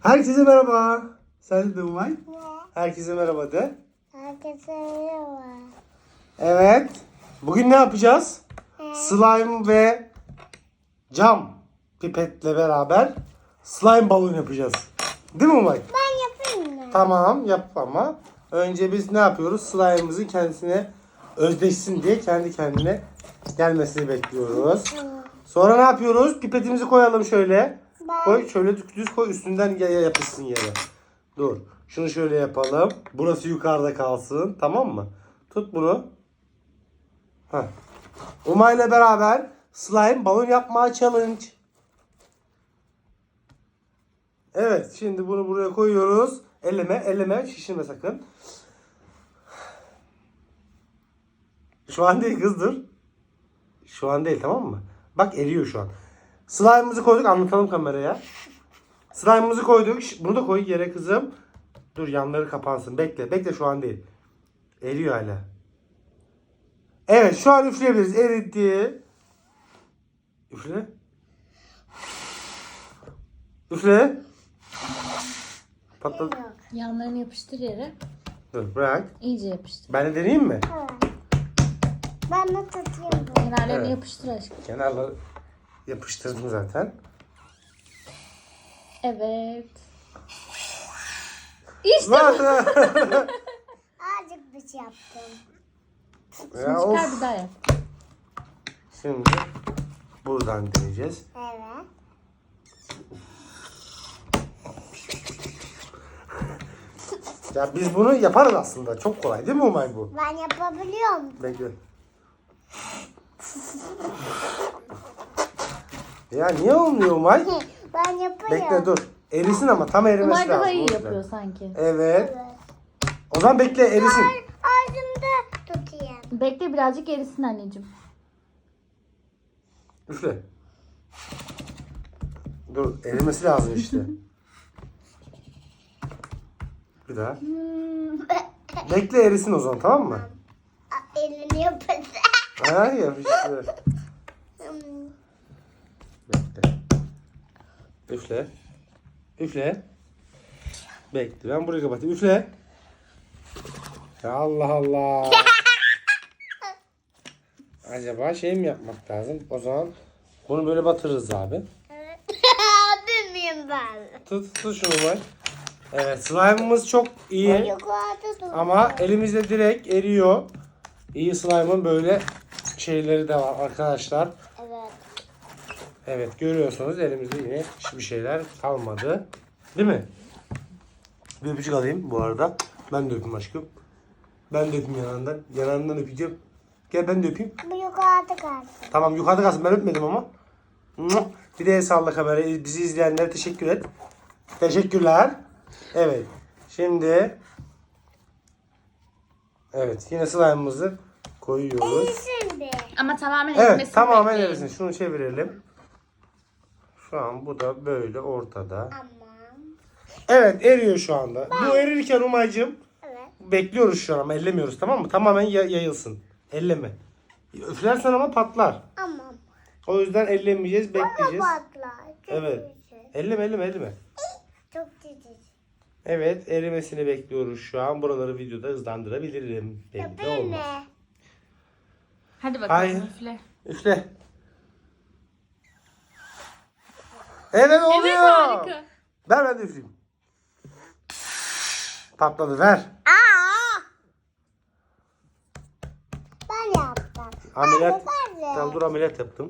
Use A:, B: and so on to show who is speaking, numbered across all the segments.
A: Herkese merhaba. Sen de Umay.
B: Ne?
A: Herkese merhaba de.
B: Herkese merhaba.
A: Evet. Bugün ne yapacağız? Slime ve cam pipetle beraber slime balon yapacağız. Değil mi Umay?
B: Ben yapayım mı?
A: Tamam yap ama önce biz ne yapıyoruz? Slime'ımızın kendisine özdeşsin diye kendi kendine gelmesini bekliyoruz. Sonra ne yapıyoruz? Pipetimizi koyalım şöyle. Koy şöyle düz koy üstünden yapışsın yere. Dur. Şunu şöyle yapalım. Burası yukarıda kalsın. Tamam mı? Tut bunu. Heh. Umay'la beraber slime balon yapma challenge. Evet. Şimdi bunu buraya koyuyoruz. Elleme. Şişirme sakın. Şu an değil kız dur. Şu an değil tamam mı? Bak eriyor şu an. Slime'ımızı koyduk. Anlatalım kameraya. Slime'ımızı koyduk. Bunu da koy yere kızım. Dur yanları kapansın. Bekle şu an değil. Eriyor hala. Evet şu an üfleyebiliriz. Eritti. Üfle. Üfle. Patladı.
B: Yok.
C: Yanlarını yapıştır yere.
A: Dur bırak.
C: İyice yapıştır.
A: Ben de deneyeyim mi?
B: Evet. Ben de tutayım bunu.
C: Kenarlarını
A: Evet.
C: yapıştır aşkım.
A: Kenarları yapıştırdım zaten.
C: Evet. İşte
B: Azıcık bir şey yaptım.
A: Ya,
C: çıkar
A: of.
C: bir daha yap.
A: Şimdi buradan deneyeceğiz.
B: Evet.
A: Ya biz bunu yaparız aslında. Çok kolay değil mi Umay bu?
B: Ben yapabiliyorum.
A: Bekle. Ya niye olmuyor Umay?
B: Ben yapıyorum.
A: Bekle dur. Erisin ama tam erimesi
C: Umay
A: lazım.
C: daha iyi
A: o yüzden.
C: yapıyor sanki.
A: Evet.
B: Evet.
A: O zaman bekle erisin.
B: Ağzımda tutayım.
C: Bekle birazcık erisin anneciğim.
A: Üfle. Dur erimesi lazım işte. Bir daha. Bekle erisin o zaman tamam mı?
B: Elini yapacağım.
A: Ha yapıştı. Bekle. Üfle. Üfle. Bekle. Ben burayı kapatayım. Üfle. Ya Allah Allah. Acaba şey mi yapmak lazım? O zaman bunu böyle batırırız abi.
B: Bilmiyorum ben.
A: Tut şunu var. Evet slime'ımız çok iyi.
B: Yukarıda dur.
A: Ama elimizde direkt eriyor. İyi slime'ın böyle şeyleri de var arkadaşlar.
B: Evet.
A: Evet görüyorsunuz elimizde yine hiçbir şeyler kalmadı. Değil mi? Bir öpücük alayım bu arada. Ben de öpeyim aşkım. Ben de öpeyim yanağından. Yanağından öpeceğim. Gel ben de öpeyim.
B: Bu yukarıda kalsın.
A: Tamam yukarıda kalsın ben öpmedim ama. Bir de el salla kamerayı. Bizi izleyenlere teşekkür et. Teşekkürler. Evet. Şimdi evet yine slime'ımızı koyuyoruz.
B: Şimdi.
C: Ama tamamen
A: Evet
C: erimesini
A: tamamen
C: bekleyin.
A: erisin. Şunu çevirelim. Şu an bu da böyle ortada.
B: Aman.
A: Evet eriyor şu anda. Bu erirken Umay'cığım
B: Evet.
A: bekliyoruz şu an ama ellemiyoruz tamam mı? Tamamen yayılsın. Elleme. Üflersen ama patlar.
B: Aman.
A: O yüzden ellemeyeceğiz, bekleyeceğiz.
B: Patlar. Çok
A: Evet.
B: güzel.
A: Elleme.
B: Çok güzel.
A: Evet erimesini bekliyoruz şu an. Buraları videoda hızlandırabilirim. Belli de
B: Yapayım
A: olmaz.
B: mı?
C: Hadi bakalım
A: Hayır.
C: üfle.
A: Üfle. Evet oluyor.
C: Evet harika.
A: Ver ben de üfleyeyim. Patladı ver.
B: Aa! Ben yaptım.
A: Ameliyat.
B: Ben de.
A: Tamam dur ameliyat yaptım.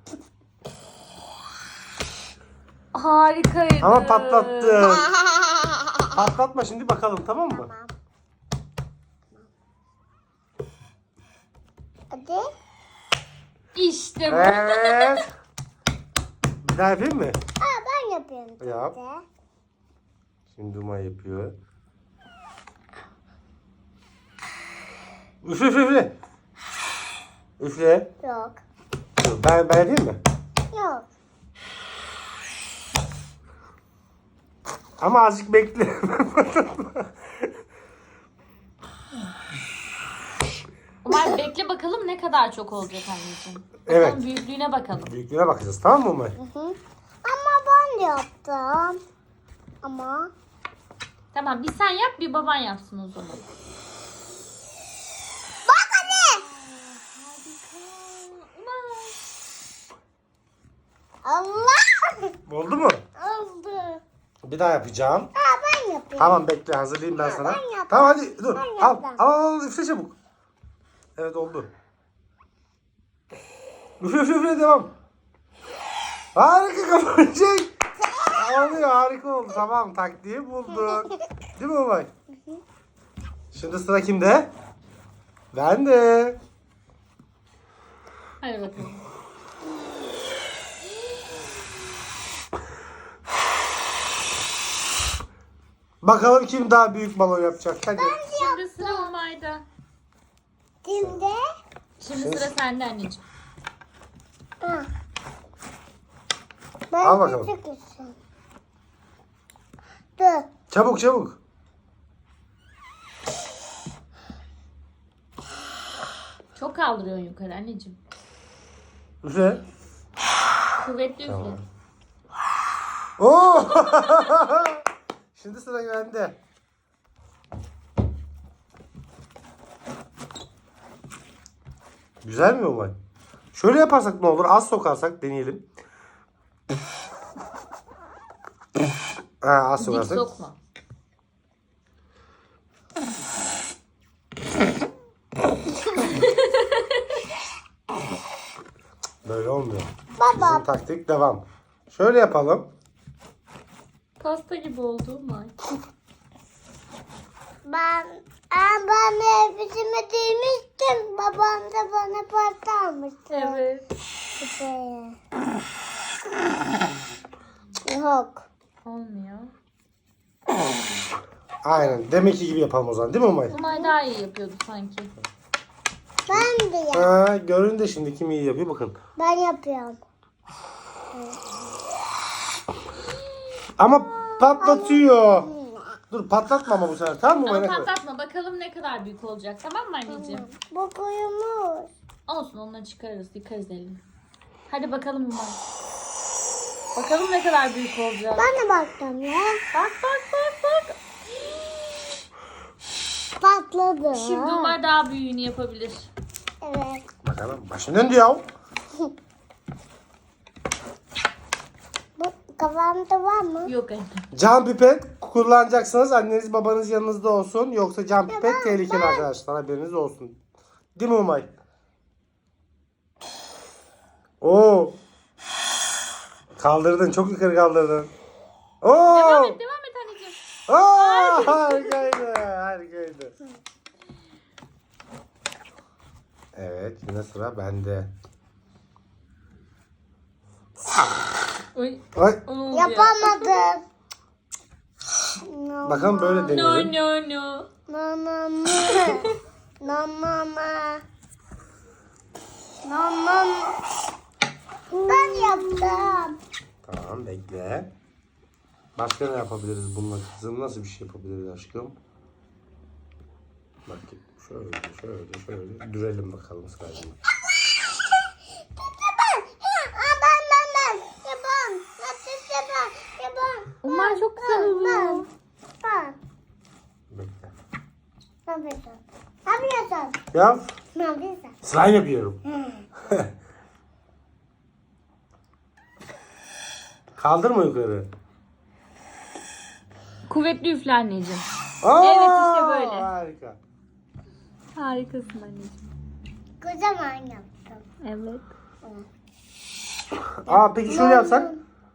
C: Harikaydı.
A: Ama patlattım. Patlatma şimdi bakalım tamam mı?
B: Tamam. Hadi.
C: İşte bu.
A: Evet. Bir daha yapayım mı?
B: Ben yapıyorum.
A: Yap.
B: şimdi.
A: Şimdi Umay yapıyor. Üfle. Üfle.
B: Yok.
A: Dur, ben yapayım mı?
B: Yok.
A: Ama azıcık bekle.
C: Umay bekle bakalım ne kadar çok olacak anneciğim.
A: Evet.
C: Bakalım büyüklüğüne bakalım.
A: Büyüklüğüne bakacağız tamam mı Umay?
B: Hı hı. Ama ben de yaptım. Ama
C: Tamam bir sen yap bir baban yapsın o zaman.
B: bak anne.
C: Harika. Umay.
B: Allah.
A: Oldu mu?
B: Oldu.
A: Bir daha yapacağım.
B: Ben yapıyorum.
A: Tamam bekle hazırlayayım ben sana.
B: ben yaptım.
A: Tamam hadi dur.
B: Ben
A: Al,
B: yaptım.
A: al üfle çabuk. Evet oldu. Üfle devam. Harika kapanacak. Oluyor harika oldu. Tamam taktiği bulduk. Değil mi Umay? Şimdi sıra kimde? Bende.
C: Hadi bakalım.
A: Bakalım kim daha büyük balon yapacak. Hadi.
C: Şimdi sıra Umay'da.
B: Şimdi.
C: Şimdi sıra sende anneciğim.
B: Ha. Ben
A: Al bakalım.
B: küçük istiyorum. Dur.
A: Çabuk çabuk.
C: Çok kaldırıyorsun yukarı anneciğim.
A: Üfle.
C: Kuvvetli üfle.
A: Oo! Şimdi sıra bende. Güzel mi Umay? Şöyle yaparsak ne olur? Az sokarsak deneyelim. Az
C: Dik
A: sokarsak.
C: sokma.
A: Böyle olmuyor.
B: Baba.
A: Bizim taktik devam. Şöyle yapalım.
C: Pasta gibi oldu Umay.
B: Ben elbisemi giymiştim. Babam da bana pasta almıştı.
C: Evet.
B: Şuraya. Yok.
C: Olmuyor.
A: Aynen. Demek ki gibi yapalım o zaman. Değil mi Umay?
C: Umay daha iyi yapıyordu sanki.
B: Ben de yap.
A: Görün de şimdi kim iyi yapıyor bakın.
B: Ben yapıyorum.
A: Ama patlatıyor. Dur patlatma ama bu sefer. Tamam mı Umay?
C: Ama
A: Ne kadar?
C: patlatma bakalım ne kadar büyük olacak tamam mı anneciğim?
B: Bu koyumuz.
C: Olsun onunla çıkarırız yıkarız elini. Hadi bakalım Umay. Bakalım ne kadar büyük olacak.
B: Ben de baktım ya.
C: Bak bak bak bak.
B: Patladı.
C: Şimdi Umay daha büyüğünü yapabilir.
B: Evet.
A: Bakalım. Başın döndü ya.
B: Bu kafamda var mı?
C: Yok anne.
A: Cam pipet kullanacaksınız. Anneniz babanız yanınızda olsun. Yoksa cam pipet tehlikeli arkadaşlar. Haberiniz olsun. Değil mi Umay? Oo. Kaldırdın. Çok yukarı kaldırdın. Oo.
C: Devam et anneciğim.
A: Oo. Harikaydı. Harikaydı. Evet. Yine sıra bende.
C: Oy.
A: Ay.
C: o ne oldu
B: Yapamadım.
A: Bakalım böyle
C: ya? No
A: deneyelim.
C: no no.
B: No no no. No no no. No no no. Ben yaptım.
A: Tamam bekle. Başka ne yapabiliriz bununla kızım? Nasıl bir şey yapabiliriz aşkım? Bak şöyle dürelim bakalım sırayla.
B: Ben. Yapam. Yapam.
C: Umay çok güzel oluyor.
B: Ben.
A: Bekle.
B: Ne yapıyorsun? Ne yapıyorsun?
A: Yap.
B: Ne yapıyorsun?
A: Slime yapıyorum. Kaldırma yukarı.
C: Kuvvetli üfle anneciğim.
A: Aa,
C: Evet, işte böyle.
A: Harika.
C: Harikasın anneciğim.
B: Kocaman yaptım.
C: Evet.
A: Peki şöyle yapsak?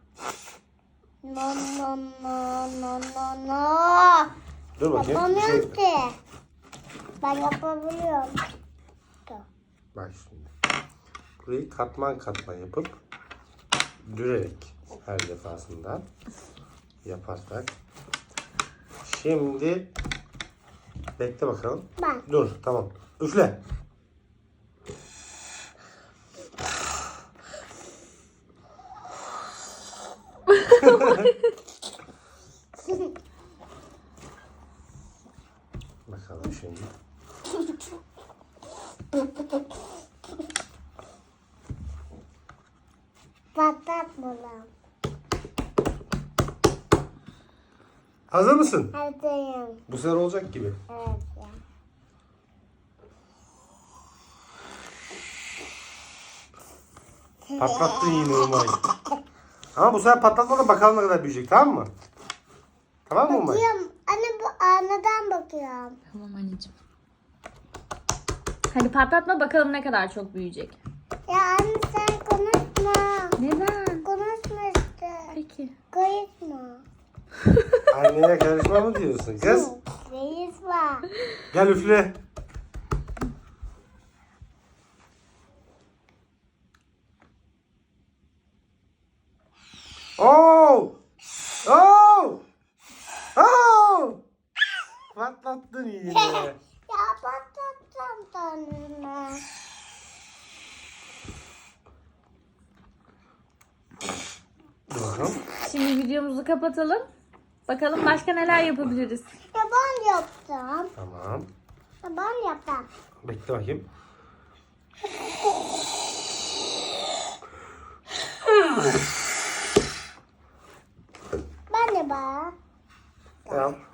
B: No no no no no no.
A: Dur bakayım. Bir
B: Yapamıyorum
A: şey.
B: ki. Ben yapabiliyorum.
A: Bak şimdi. Burayı katman katman yapıp dürerek her defasında yaparsak. Şimdi bekle bakalım.
B: Ben.
A: Dur tamam. Üfle. Bakalım şimdi.
B: Patlatmadım.
A: Hazır mısın?
B: Hazırım.
A: Bu sefer olacak gibi.
B: Evet ya.
A: Patlattın yine Umay. Ama bu sefer patlatma da bakalım ne kadar büyüyecek, tamam mı? Tamam mı Umay?
B: Bakıyorum. Anne bu aynadan bakıyorum.
C: Tamam anneciğim. Hadi patlatma bakalım ne kadar çok büyüyecek.
B: Ya anne sen konuşma.
C: Neden?
B: Konuşma işte.
C: Peki.
B: Konuşma.
A: Anneye karışma mı diyorsun kız?
B: Reis var.
A: Gel üfle. Oo! Oo! Oo! Patlattın yine.
B: Ya patlatacağım tanrını.
A: Dur bakalım.
C: Şimdi videomuzu kapatalım. Bakalım başka neler yapabiliriz.
B: Ya ben yaptım.
A: Tamam.
B: Ya ben yaptım.
A: Bekle bakayım.
B: Ben de bak.
A: Tamam.